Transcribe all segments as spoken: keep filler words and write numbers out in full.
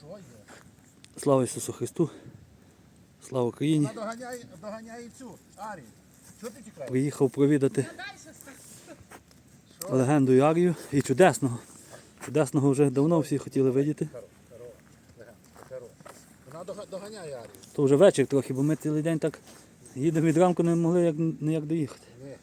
Слава Ісусу Христу. Слава Україні. Вона доганяє, доганяє цю Арію. Чого ти тікаєш? Приїхав провідати легенду Арію і чудесного. Чудесного вже давно всі хотіли видіти. Вона доганяє Арію. То вже вечір трохи, бо ми цілий день так їдемо від ранку, не могли як, ніяк доїхати.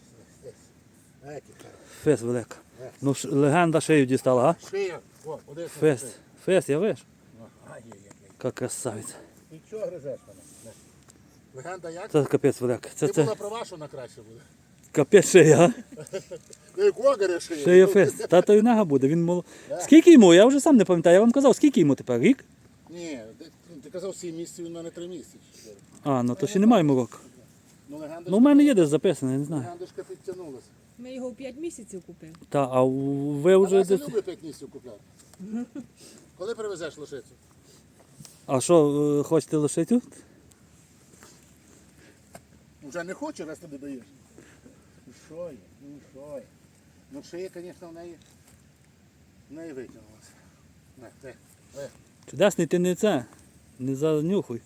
Фес велика. Ну, ш- легенда шию дістала, а? Шия. О, один Фес. Фес, я виш? Ай-яй-яй. Яка красавиця. Ти чого гризеш мене? Легенда як? Це капець велика. Це, Ти це була права, що вона краще буде. капець шия, а? Ну як огаре шия. Шия фес. Тато і нога буде. Він мол... Скільки йому? Я вже сам не пам'ятаю. Я вам казав, скільки йому тепер? Рік? Ні, ти, ти казав сім місяців, він в мене три місяці. А, ну то ще немає йому року. Ну легенда Ну, у мене є десь записано, я не знаю. легендочка підтягнулася. Ми його в п'ять місяців купили. Та, а у- ви вже Вася десь... любить п'ять місяців купляти. Коли привезеш лошицю? А що, е, хочете лишити? Вже не хоче, раз ти не даєш. Ну що є, ну що є. Ну шия, звісно, в неї, в неї витягнулася. Не, ти, е. Чудесний ти не це. Не занюхуй.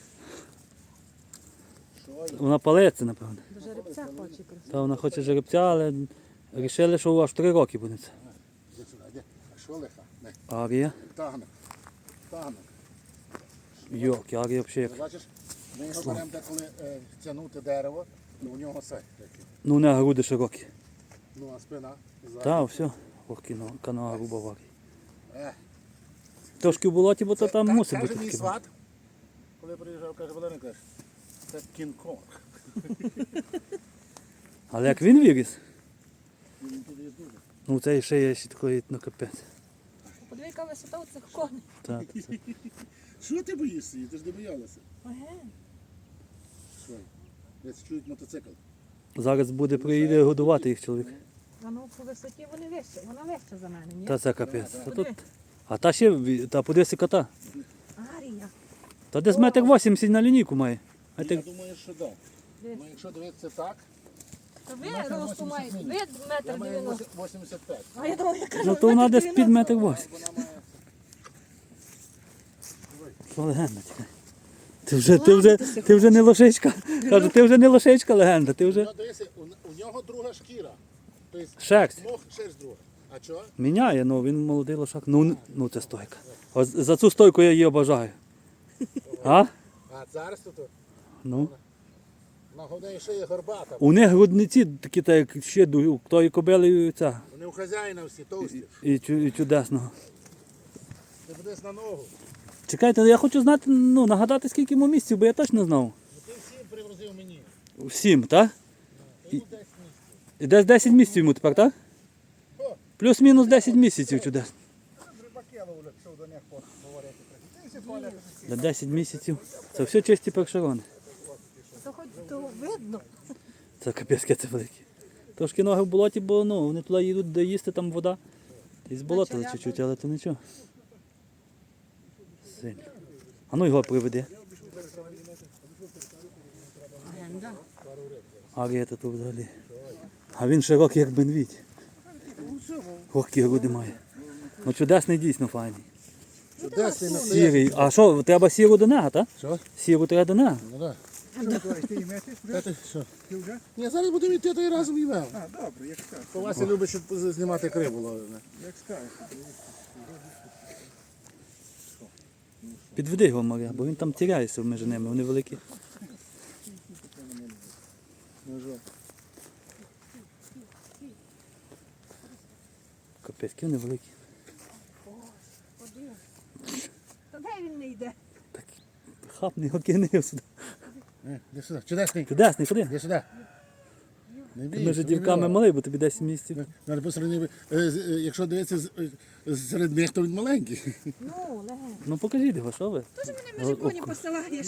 Що є? Вона палеться, напевно. До жеребця хоче красиво. Та вона хоче жеребця, але вирішили, що аж три роки буде це. Іди сюди, іди. А що лиха? Не, Арія. тагнок. Тагнок. Йок, Арія взагалі Ти як. бачиш, ми його беремо деколи е, тягнути дерево, то у нього це таке. Ну, не груди широкі. Ну а спина. ззаду. Та, все. Ох, кіно, канала груба в Арії. Е. Трошки в болоті, бо то там Ка- мусить каже бути мій таке. сват, коли приїжджав, каже, Валерій, каже, це Кінг-Конг. Але як він виріс, Він туди дуже. ну це ще є ще такої, ну капець. Подиви, яка висота у цих коней. Так, це. Що ти боїшся її? Ти ж не боялася. Ага. Що? Десь чують мотоцикл. Зараз буде приїде годувати їх чоловік. А ну по висоті вони вище. Вона вища за мене, ні? Та це капець. Та, тут... А та ще, ві- та подивися кота. Арія. Та десь метр вісімдесят на лінійку має. А Я ти... думаю, що так. Десь. Ну, якщо дивитися так, Та ви росту маєте. Ви я метр маю дев'яносто. вісімдесят п'ять. А я думаю, я кажу, Ну то вона метр десь під метр дев'яносто. вісімдесят. Вона має... Що легенда тільки. Ти вже, ти вже, ти вже не лошичка. Кажу, ти вже не лошичка легенда, ти вже Ну, дивися, у, у нього друга шкіра. Тобто, шерсть. мох шерсть друга. А чого? Міняє, ну він молодий лошак. Ну, ну це стойка. От за цю стойку я її обожаю. А? А зараз тут Ну. на голові шиї горбата. У них грудниці такі, так як ще ду- у тої кобили і ця. Вони у хазяїна всі товсті. І, чу- і чудесного. Ти будеш на ногу. Чекайте, я хочу знати, ну, нагадати, скільки йому місяців, бо я точно знав. Ну, ти всім привозив мені. Сім, так? Йому десь місце. І десь десять місяців йому тепер, так? О. Плюс-мінус десять місяців чудесно. Рибаки ловлять, що до них поговорити. Ти всі туалети. За десять місяців. Це все чисті першерони. То хоч то видно. Це капець, це великі. Трошки ноги в болоті, бо ну, вони туди їдуть, де їсти, там вода. І зболотили чуть-чуть, але то нічого. Сильно. А ну його приведи. Легенда. Арія тут взагалі. А він широкий, як бенвідь. Ох, які груди має. Ну чудесний, дійсно файний. Чудесний на Сірий. А що, треба сіру до нега, так? Що? Сіру треба до нега. Ну так. Та ти що? Ні, зараз будемо йти той разом і вел. А, добре, як скажеш. По Вася любить, щоб знімати криву ловили. Як скажеш. Підведи його, Марія, бо він там тіряється між ними, вони великі. Капець, які вони великі. Та де він не йде? Хапний його кинув сюди. Е, Іди сюди, чудесний. Чудесний, ходи. Іди сюди. Не Ти бійся, між не дівками бійся. малий, бо тобі десять місяців. Надо по сравненню, е, з- е, якщо дивитися з- е, серед них, то він маленький. Ну, легенда. Ну покажіть його, що ви? Ти ж мене між коні посилаєш.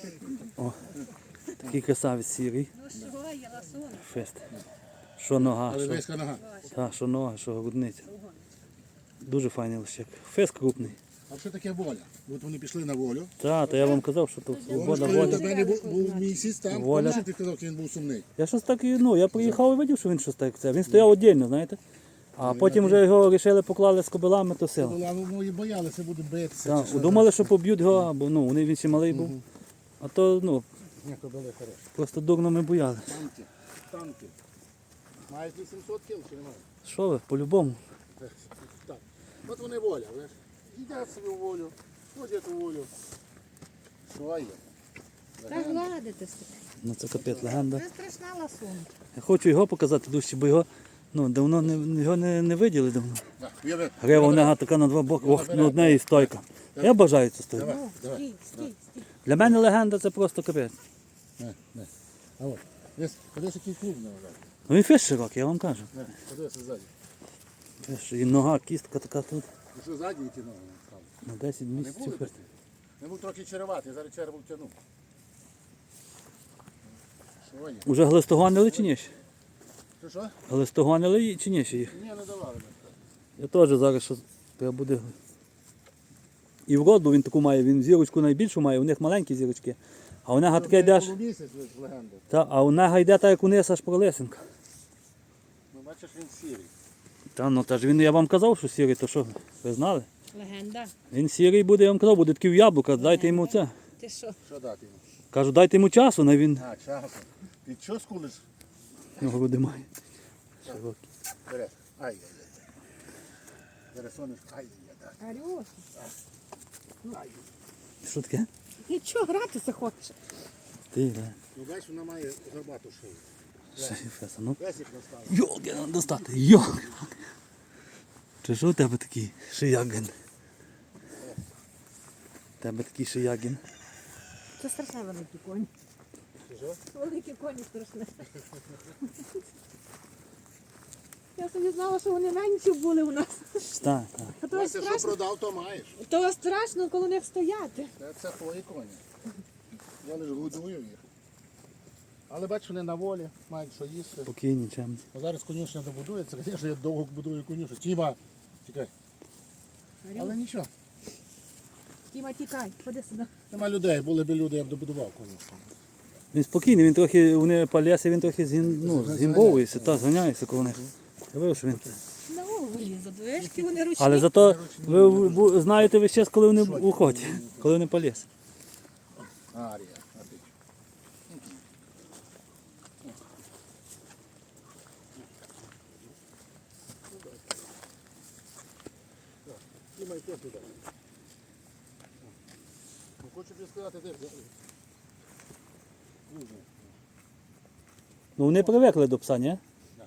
Такий красавець сірий. Ну що, я ласуна. Фест. Що нога, Але що, виска нога. та, що нога, що грудниця. Дуже файний лищик. Фест крупний. А що таке воля? От вони пішли на волю. Так, то я вам казав, що тут Воно свобода, ж коли воля. до мене був, був місяць там, Воля. пам'ятаєш, ти казав, що він був сумний. Я щось так і, ну, я приїхав і бачив, що він щось так це. Він стояв віддільно, знаєте. А потім вже його вирішили поклали з кобилами, то сила. А ну і боялися, будуть битися. Так, чи що. думали, що поб'ють його, бо ну, вони він ще малий був. Мгм. А то ну, Ні, кобили хороші. просто дурно ми бояли. Танки, танки. Мають вісімсот кіл чи немає? Що ви, по-любому. Так. От вони воля, ви ж. Їдять собі в волю, ходять у волю. Що є? Та гладити себе. Ну це капець легенда. Це страшна ласунка. Я хочу його показати дужче, бо його ну, давно не, його не, не виділи давно. Так, уяви. Грива у нього така на два боки, ох, на одне і стойка. Я бажаю цю стойку. Давай, Ну, давай. стій, стій, стій. Для мене легенда це просто капець. Не, не. А от, десь, подивись, який клуб не лежать. Ну він фіш широкий, я вам кажу. Не, подивися ззаді. Фіш, і нога, кістка така тут. Ну що ззаді які ноги стали? На десять Не були місяців. бити? Не був трохи череватий, зараз череву втягнув. Що є? Уже глистогонили чи ні? ще? Що що? Глистогонили чи ні ще їх? Ні, не давали. ми. Я теж зараз що треба буде. І вроду він таку має, він зірочку найбільшу має, у них маленькі зірочки. А у нега таке йде аж. Полумісяць з легенди. Та, а у нега йде так, як униз аж пролесенка. Ну бачиш, він сірий. Та ну та ж він, я вам казав, що сірий, то що? Ви знали? Легенда. Він сірий буде, я вам казав, буде такий в яблука, дайте йому це. Ти що? Що дати йому? Кажу, дайте йому часу, на він А, часом. Ти що скулиш? ну, груди має. Широкі. Бере. Ай-яй-яй. Бере сонечко. Ай-яй-яй. Арюш. Що таке? Нічого, гратися хочеш. Ти, да. Ну бачиш, вона має горбату шию. Ще й феса, ну. Весік наставив. Йолки, треба достати, йолки. Чи що у тебе такий шиягин? У тебе такий шиягин. Це страшне великі коні. Що? Великі коні страшне. Я собі знала, що вони менші були у нас. Так, так. А то Вася, що страшно, продав, то маєш. то страшно коло них стояти. Це, це твої коні. Я лише годую їх. Але бачиш, вони на волі, мають що їсти. Спокійні, чим. А зараз конюшня добудується, звісно, я довго будую конюшню. Тіма, тікай. Але нічого. Тіма, тікай, ходи сюди. Нема людей, були б люди, я б добудував конюшню. Він спокійний, він трохи, вони по лісі, він трохи згін, ну, згімбовується, та, зганяється коло них. Я вивів, що він. На голову лізе, вишки вони ручні. Але зато ви бу- знаєте весь час, коли вони в охоті, коли вони по лісі. Арія, а ти. Тіма, йди сюди. Ну, хочу тобі сказати, де. Дуже. Ну вони привикли до пса, ні?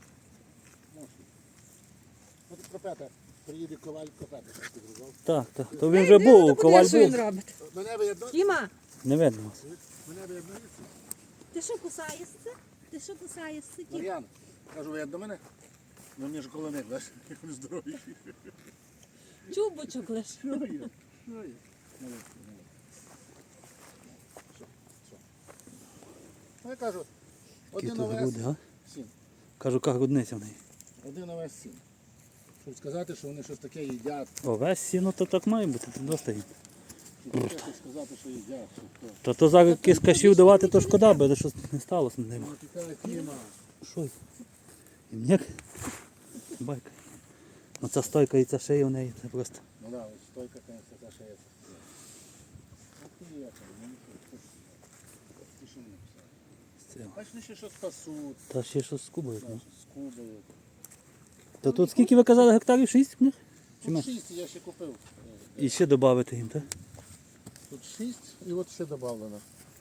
От Копета, приїде коваль Копета, що ти грузав. Так, так. То він вже був, коваль Що він був. робить? Мене видно? Тіма, Не видно вас. Мене видно? ти що кусаєшся? Ти що кусаєшся? Тіма? Мар'ян, кажу, видно мене? Ну мені ж коло них, бачиш, як вони здорові. Чубочок лиш. Що є? Що є? Молодці, молодці. Що? Що? Ну, я кажу, Які один то овес, груди, а? сім. Кажу, як грудниця в неї. Один овес сім. Щоб сказати, що вони щось таке їдять. О, весь сіно то так має бути, то достає. Щоб таке щось сказати, що їдять. Що то. Та то зараз якийсь кашів давати, то шкода, бо щось не сталося на ним. Ну, така тіма. Що? І мені? Байка. Ну ця стойка і ця шия у неї, це просто. Ну да, ось стойка, конечно, та шея. Ах ти є, ну нічого. Ти що мені писав? Це. Бачиш, вони ще щось пасуть, Та ще щось з кубою. Ну. скубають. То тут скільки ви казали гектарів? Шість в них? Чи Тут менше? шість я ще купив. І ще додати їм, так? Тут шість і от ще додано.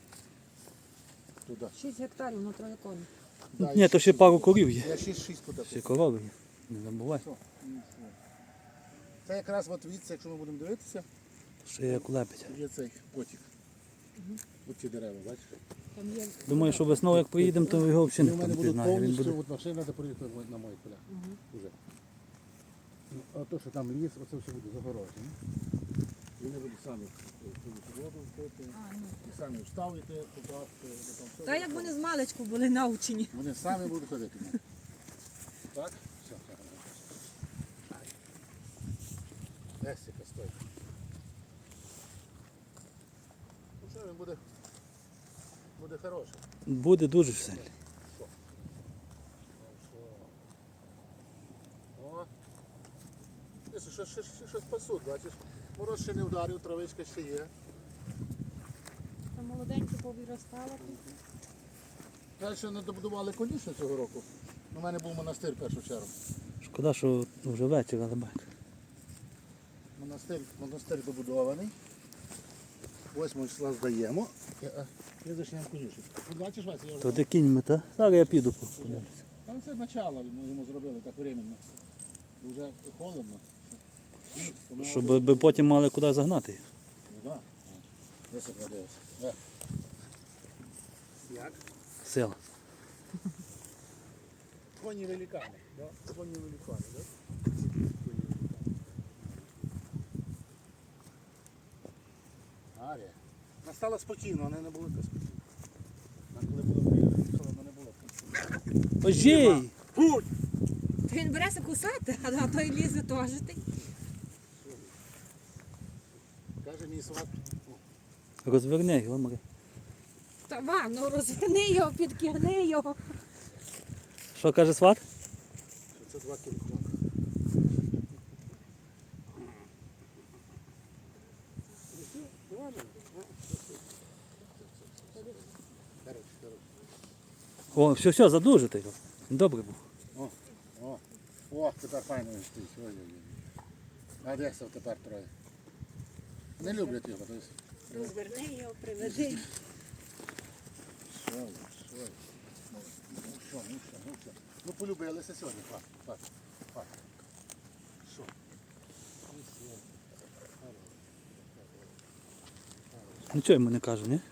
Туди. Шість гектарів на троє коні. Да, Ні, і то ще пару корів є. Я шість шість туди. Ще корови є. Не забувай. Що? Ну, що? Це якраз от від, якщо ми будемо дивитися, Ще як лепить. є цей потік. Ось ці дерева, бачиш? Там є. Думаю, що весною як приїдемо, то його взагалі Вони в ніхто мене не будуть пізнає. Він повністю, буде. от машина, де приїхати на мої поля. Уже. Ну, а то, що там ліс, оце все буде загороджено. Вони будуть самі цю воду впити, і самі вставити, купати. там все Та як буде. вони з маличку були навчені. Вони самі будуть ходити. Так? Все. Лесика стоїть. Ну що, він буде, буде хороший. Буде дуже сильний. О, ще, ще щось пасуть, бачиш. Мороз ще не вдарив, травичка ще є. Там молоденькі повиростало. Далі не добудували конюшню цього року. У мене був монастир в першу чергу. Шкода, що вже вечір, але бачу. Монастир, монастир добудований. восьмого числа здаємо. І, а, І зачнемо конюшню. От бачиш, Вася, я вже... То де кінь мета? Зараз я піду подивлюся. Там це начало ми йому зробили так временно. Вже холодно. Тому- Щоб би потім мали куди загнати їх. Ну, да. Високо дивився. Е. Як? Сила. Коні великани. Да? Коні великани, да? Арія. Вона стала спокійно, вона не була така спокійна. Вона коли була приїхала, вона не була така. Ожій! Будь! Він береться кусати, а той лізе теж. ти. Каже мій сват. Розверни його, Марі. Та вам, ну розверни його, підкигни його. Що каже сват? Що це два кількома. О, все, все, задужите його. Добре був. О, о, о, тепер файно він стоїть. Ой-ой-ой. А де це тепер троє? Не люблять його, то есть. Розверни його, приведи. Що, ви, що? ви? Ну що, ну що, ну що. Ну полюбилися сьогодні, пак, пак, пак. Що? Ну, що? Нічого йому не кажу, ні?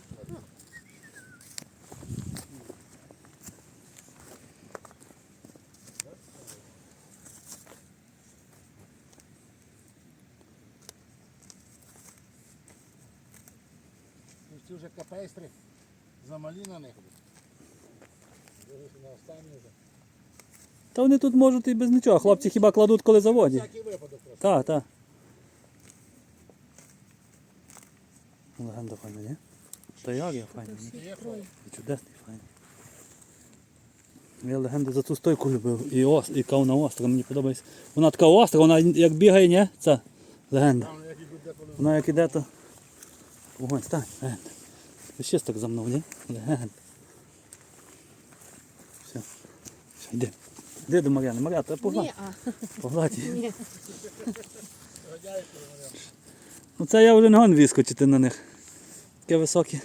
Ну, ці вже капейстри замалі на них. Дивися на останній вже. Та вони тут можуть і без нічого. Хлопці хіба кладуть, коли заводять. Всякий випадок просто. Так, так. Легенда файна, ні? Та як я файна, ні? Є файно. І чудесний файний. Я легенду за ту стойку любив. І, ос, і кавна остра, мені подобається. Вона така остра, вона як бігає, ні? Ця легенда. Там як ідуть деколи. Вона як іде, то... Вогонь, стань, легенда. Ви ще так за мною, ні? Легенда. Все. Все, йди. Йди до Мар'яни. Мар'я, та погладь. Ні, а. Погладь її. Ні. Гадяєте, Мар'яна. Ну це я вже не гон вискочити на них. Таке високі.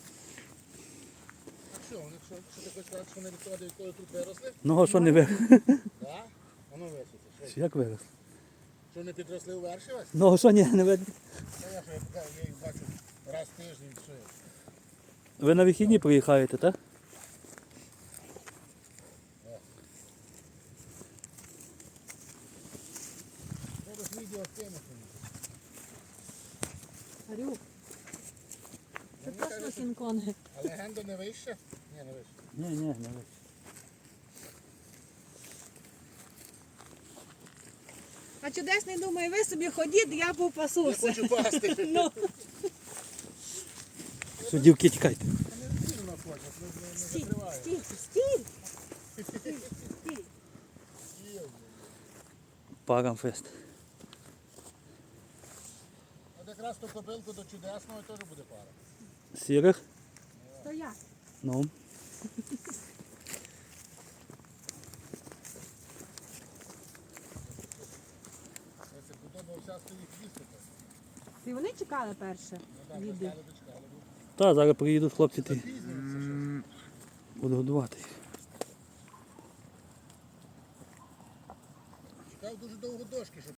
А що, вони що, що ти хочеш сказати, що вони відходи, коли тут виросли? Ну а що не виросли? Так? А ну висоти. Що? Як виросли? Що вони підросли у верші вас? Ну а що ні, не видно? Та я що, я покажу, я їх бачу раз в тиждень, що я. Ви на вихідні приїхаєте, так? Зараз відео скинути. Арю. Це точно кінкони. А легенда не вище? Ні, не вище. Ні, ні, не вище. А чудесний думає, ви собі ходіть, я Я попасуся. хочу пасти. Ну, Все, дівки, тікайте. Не сильно хочуть, не, не стій, закриваю. стій, стій. Стій, стій. Парамфест. От якраз ту кобилку до чудесного теж буде пара. Сірих? Стоять. Ну. Це подобав вся стоїть їсти. І вони чекали перше. Ну так, Віди. чекали, дочекали. Та, зараз приїдуть хлопці, ти Запізнюється щось. буду годувати їх. Чекав дуже довго дошки, щоб